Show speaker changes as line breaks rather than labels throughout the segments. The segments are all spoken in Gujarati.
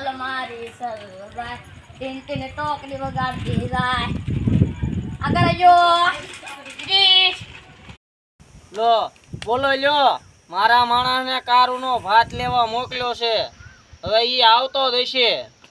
સલ મારી સલવાય ટીન ટીન ટોકરી વગાડતી જાય આગળ જો જી
લો બોલો લ્યો મારા માણસને કારુનો ભાત લેવા મોકલ્યો છે હવે ઈ આવતો જ હશે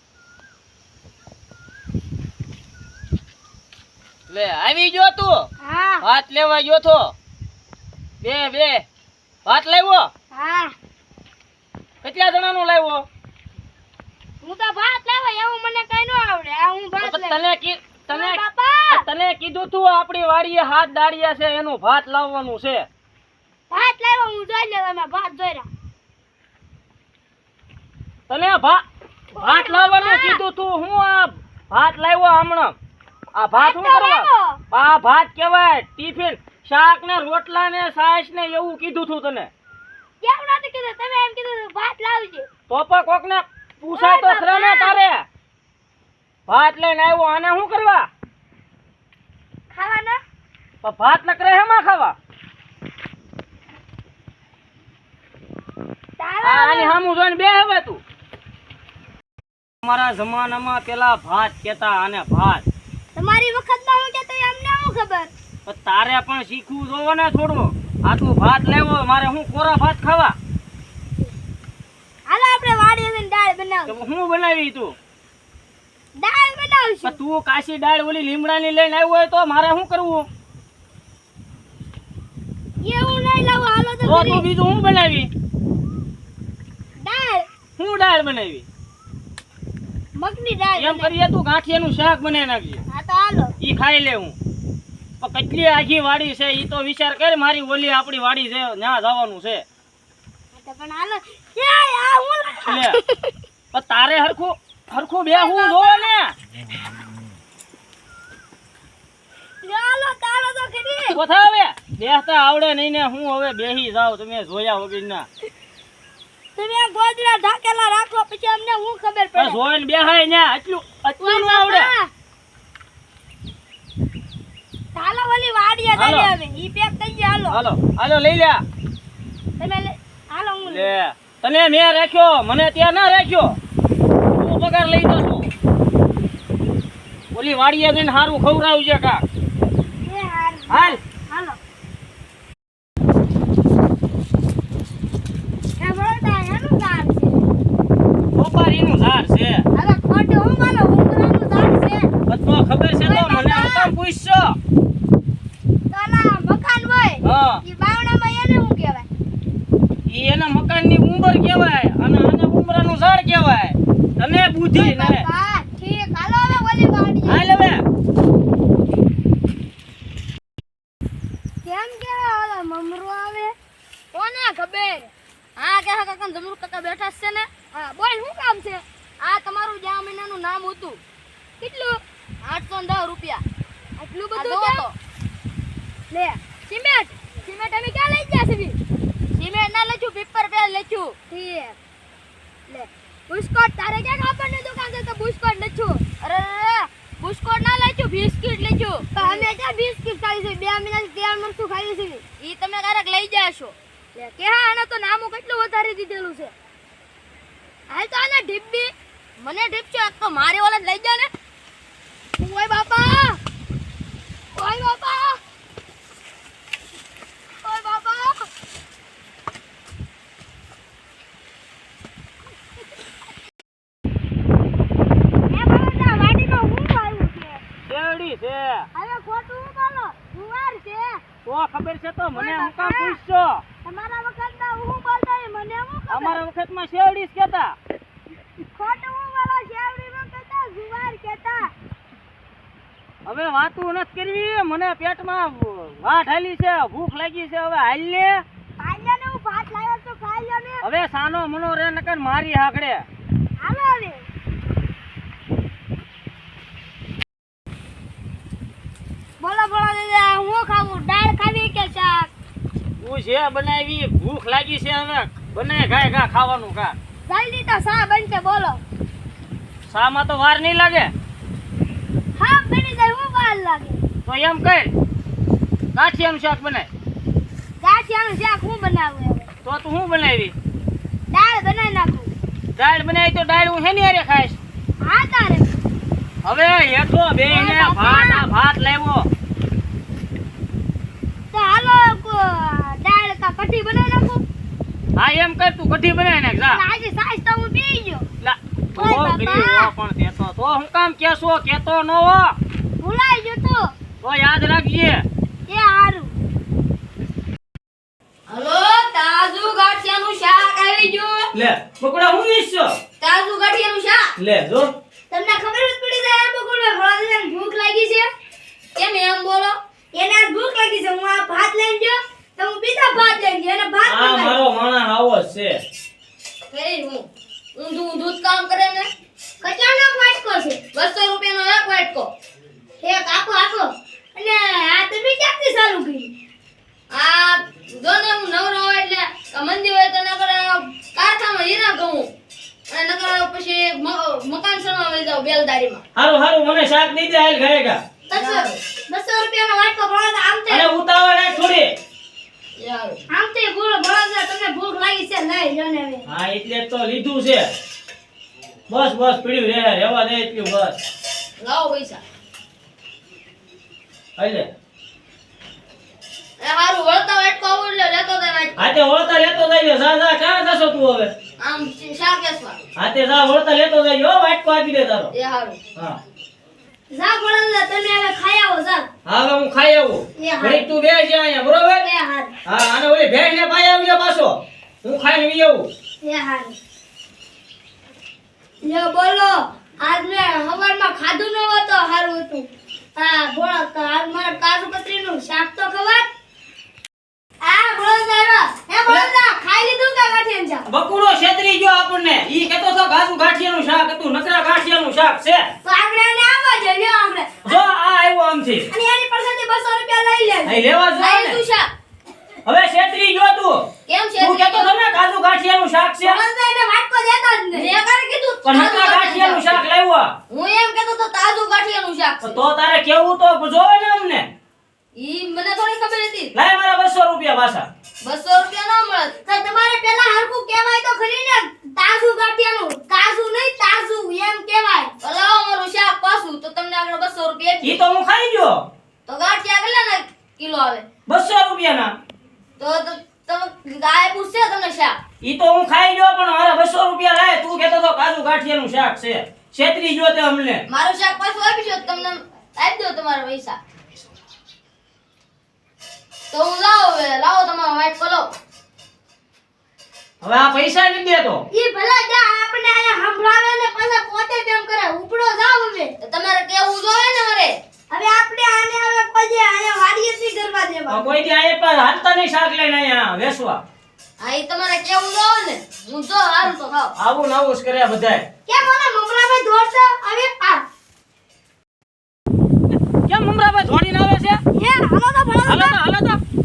લે આવી ગયો તું
હા
ભાત લેવા ગયો તો બે ભાત લાવ્યો
હા
કેટલા જણાનું લાવ્યો
હું તો ભાત લાવવા એવું મને કઈ ન આવડે આ હું ભાત
તને
બાપા
તને કીધું તું આપણી વાડીએ હાથ દાડિયા છે એનું ભાત લાવવાનું છે
ભાત લાવવા હું જોઈ લે તમે ભાત જોઈ રહ્યા
તને ભાત લાવવાનું કીધું તું હું આ ભાત લાવ્યો હમણાં આ ભાત શું કરવા આ ભાત કહેવાય ટિફિન શાક ને રોટલા ને છાશ ને એવું કીધું તું તને
કેમ નથી કીધું તમે એમ કીધું ભાત લાવજે
તો પણ કોક ને પૂછાય તો ખરા ને તારે ભાત લઈને આવ્યો આને શું કરવા
ખાવાના
પણ ભાત નકરે હેમાં ખાવા આની સામું જોઈને બે હવે તું અમારા જમાનામાં પેલા ભાત કેતા આને ભાત
તમારી વખતમાં હું કેતો અમને શું ખબર
પણ તારે પણ શીખવું જોવો ને થોડું આટલું ભાત લેવો મારે હું કોરા ભાત ખાવા
હાલો આપણે વાડીએ જઈને દાળ બનાવ
હું બનાવી તું
દાળ બનાવશું
તું કાશી દાળ ઓલી લીમડાની લઈને આવ્યો હોય તો મારે શું કરવું
એવું નહીં લાવો હાલો તો
તો તું બીજું હું બનાવી
દાળ
હું દાળ બનાવી
મગની દાળ
એમ કરીએ તું ગાંઠિયાનું શાક બનાવી નાખજે
હા તો હાલો
ઈ ખાઈ લે હું પણ કેટલી આખી વાડી છે ઈ તો વિચાર કર મારી ઓલી આપણી વાડી છે ત્યાં જવાનું છે
તો પણ હાલો એ આ હું
લે પણ તારે હરખું બે હું જોવે ને
હાલો તારો તો ખરી
કોથા હવે બેસતા આવડે નહીં ને હું હવે બેહી જાવ તમે જોયા વગર ના
તમે ગોદડા ઢાકેલા રાખો પછી અમને હું ખબર પડે
જોઈને બેહાય ને આટલું ન આવડે
હાલો ઓલી વાડીએ
હાલો.
જઈએ હવે ઈ પેક થઈ ગયા હાલો
હાલો લઈ લે
તમે હાલો હું
લે તને મેં રાખ્યો મને ત્યાં ના રાખ્યો તું પગાર લઈ તો છું ઓલી વાડીએ જઈને સારું ખવડાવજે કા
એ હાલ
હાલ
હાલો એ બળતા એનું ઝાડ છે
સોપારીનું ઝાડ છે
હવે ખોટે હું માનો ઉમરાનું ઝાડ છે
બધો ખબર છે તો મને હું કામ પૂછશો
તલા મકાન હોય
હા
ઈ બાવણામાં એને શું કહેવાય
ઈ એના મકાનની ઉંબર કહેવાય અને આને ઉંબરાનું ઝાડ કહેવાય તને બુદ્ધિ ને
હા ઠીક હાલો હવે ઓલી વાડી
હાલ હવે
કેમ કે ઓલા મમરો આવે કોને ખબર હા કે કાકા જમરૂ કાકા બેઠા છે ને હા બોલ શું કામ છે આ તમારું જ્યાં મહિનાનું નામ હતું કેટલું 810 રૂપિયા આટલું બધું કેમ લે સિમેન્ટ અમે ક્યાં લઈ ગયા છે સિમેન્ટ ના લખ્યું પેપર પે લખ્યું ઠીક લે બુસ્કોટ તારે ક્યાં કાપડની દુકાન છે તો બુસ્કોટ લખ્યું અરે બુસ્કોટ ના લખ્યું બિસ્કિટ લખ્યું તો અમે ક્યાં બિસ્કિટ ખાઈ છે 2 મહિનાથી તેલ મરચું ખાઈ છે ઈ તમે ક્યારેક લઈ જાશો લે કે હા આને તો નામું કેટલું વધારી દીધેલું છે હાલ તો આને ઢીબ્બી મને ઢીબ છે તો મારે ઓલા લઈ જા ને ઓય બાપા ઓય બાપા ઓય બાપા એ બાબા વાડીમાં હું આવ્યું છે
શેરડી છે
હવે ખોટું હું બોલો જુવાર છે
તો ખબર છે તો મને હું કામ પૂછશો
તમારા વખતમાં હું બોલતા મને હું ખબર
અમારા વખતમાં શેરડી જ કહેતા
ખોટું હું બોલો શેવડીમાં કહેતા જુવાર કહેતા
હવે વાતું નથી કરવી મને પેટમાં વાટ હાલી છે ભૂખ લાગી છે હવે હાલ લે
ખાઈ ને હું ભાત લાવ્યો તો ખાઈ લો ને
હવે સાનો મનો રે નકર મારી હાકડે
હાલો હવે બોલો દાદા હું ખાવું દાળ ખાવી કે શાક
તું છે બનાવી ભૂખ લાગી છે હવે બનાય ગાય ગા ખાવાનું કા
જલ્દી તો શા બનશે બોલો
શામાં તો વાર નહીં લાગે
હા બની જાય હું વાર લાગે
તો એમ કર કાઠિયાનું શાક બનાય
ગાંઠિયાનું શાક હું બનાવું હવે
તો તું શું બનાવી
દાળ બનાવી નાખું
દાળ બનાવી તો દાળ હું હેની હારે ખાઈશ.
હા તારે
હવે હેઠો બેહીને ભાત લાવ્યો.
તો હાલો દાળ કા કઢી બનાવી નાખો.
હા એમ કર, તું કઢી બનાવી નાખ જા.
આજે સાઈઝ તો હું પી ગયો.
લા,
ઓય
બહુ
બાપા.
ગરીબ હો પણ કેતો તો હું કામ કેસો કેતો ન હો.
ભૂલાઈ ગયો
તો યાદ રાખજે.
એ હારું. હલો તાજુ ગાંઠિયાનું શાક આવી ગયું.
લે બકુડા હું ઈચ્છો.
તાજુ ગાંઠિયાનું શાક.
લે જો.
તમને ખબર જ પડી જાય એમ બકુડભાઈ ભોળાદાદાને ભૂખ લાગી છે. કેમ એમ બોલો? એને આજ ભૂખ લાગી છે. હું આ ભાત લઈને ગયો તો હું બીજા ભાત લઈને ગયો અને ભાત
આ
મંગાવ્યો.
મારો માણસ આવો જ છે.
ફેરી હું ઊંધું જ કામ કરે ને. કચાનો વાટકો છે. 200 રૂપિયાનો એક વાટકો. એક આખો અને આ તમે ક્યાંથી ચાલુ કરી? આ જો ને હું નવરો હોય એટલે મંદી હોય તો નકર કારખાનામાં હીરા ઘઉં અને નકર પછી મકાન સણવા વઈ જાવ બેલદારીમાં.
હારું મને શાક દઈ દે, હાલ ખાએગા.
200 રૂપિયાનો વાટકો ભોળા આમ તે
અને ઉતાવળ રાખ થોડી.
આમ તે ભોળા તમને ભૂખ લાગી છે લઈ લો ને હવે.
હા એટલે જ તો લીધું છે. બસ પીડ્યું રહેવા દે એટલું બસ.
લાવો પૈસા.
હાલે.
એ હારું વળતા વાટકો આવું એટલે લેતો જાય વાટકો.
હાથે વળતા લેતો જઈયો. જા ક્યાં જશો તું હવે?
આમ શાક વેચવા.
હાથે જા વળતા લેતો જઈયો. હો, વાટકો આપી દે તારો.
એ હારું.
હા
જા ભોળા તમે હવે ખાઈ આવો જા.
હવે હું ખાઈ આવું.
એ હા.
ઘડીક તું બેસ જા અહીંયા, બરોબર?
એ હારું.
હા અને ઓલી ભેંસ ને પાઈ આવજો પાછો. હું ખાઈને વી આવું.
એ હારું. લ્યો બોલો આજ મેં હવારમાં ખાધું ન હોત તો હારું હતું. હા બોલો તો આજ મારે કાજુ કતરીનું શાક તો ખવાય. આ બોલતા હે બોલતા ખાઈ લીધું કે ગાંઠિયાનું શાક?
બકુડો છેતરી ગયો આપણને. ઈ કહેતો તો ગાજુ ગાંઠિયાનું શાક હતું, નકરા ગાંઠિયાનું શાક છે.
તો આપણે એને આવવા જોઈએ લ્યો આપણે.
જો આ આવ્યો આમથી.
અને એની પાસેથી 200 રૂપિયા લઈ લેજો.
અહીં લેવા
આ
જોઈએ
લીધું
ને.
શાક.
હવે છેતરી ગયો તું.
કેમ છે?
તું કહેતો તો ને ગાજુ ગાંઠિયાનું શાક છે.
બોલતા એને વાટકો દેતા જ નહીં. મેં કારે કીધું
પણ નકરા ગાંઠિયાનું શાક લાવ્યો.
હું એમ કહેતો તો તાજું ગાંઠિયાનું શાક છે.
તો તારે કેવું તો જોવે ને અમને.
ઈ મને થોડી ખબર હતી.
લાય મારા 200 રૂપિયા પાછા.
200 રૂપિયા ન મળે તો તમારે પેલા હરખું કહેવાય તો ખરી ને તાજું ગાંઠિયાનું. તાજું નહીં તાજું એમ કહેવાય. લાવો મારું શાક પાછું તો તમને આગળ 200 રૂપિયા
ઈ તો હું ખાઈ ગયો.
તો ગાંઠિયા કેટલાના કિલો આવે?
200 રૂપિયાના.
તો તમે ગાય પૂછશે તમને શાક.
ઈ તો હું ખાઈ ગયો પણ મારા 200 રૂપિયા લાય. તું કહેતો તો ગાજુ ગાંઠિયાનું શાક છે. છેતરી ગયો તે અમને.
મારું શાક પાછું આપી દો તમને આપી દો તમારા પૈસા. તો હું લાવો તમારો વાટકો લાવો.
હવે આ પૈસા નથી દેતો.
ઈ ભલા જા આપણે આયા સંભળાવે ને પાછા પોતે તેમ કરે ઉપડો જાવ હવે. તમારે કેવું જોઈએ ને મારે. હવે આપણે આને હવે કોઈ આયા વાડીએ થી કરવા દેવા.
કોઈ દી આયે પર હાલતા નહીં શાક લઈને અહીંયા વેસવા.
હા ઈ તમારે કેવું જોઈએ ને. હું જો હારું તો ખાવ.
આવું ને આવું જ કર્યા બધાય.
કેમ મને મમરાભાઈ દોડતા હવે આ
કેમ મમરાભાઈ ધોડીને આવે છે?
હે હાલો તો ભલા
હાલો તો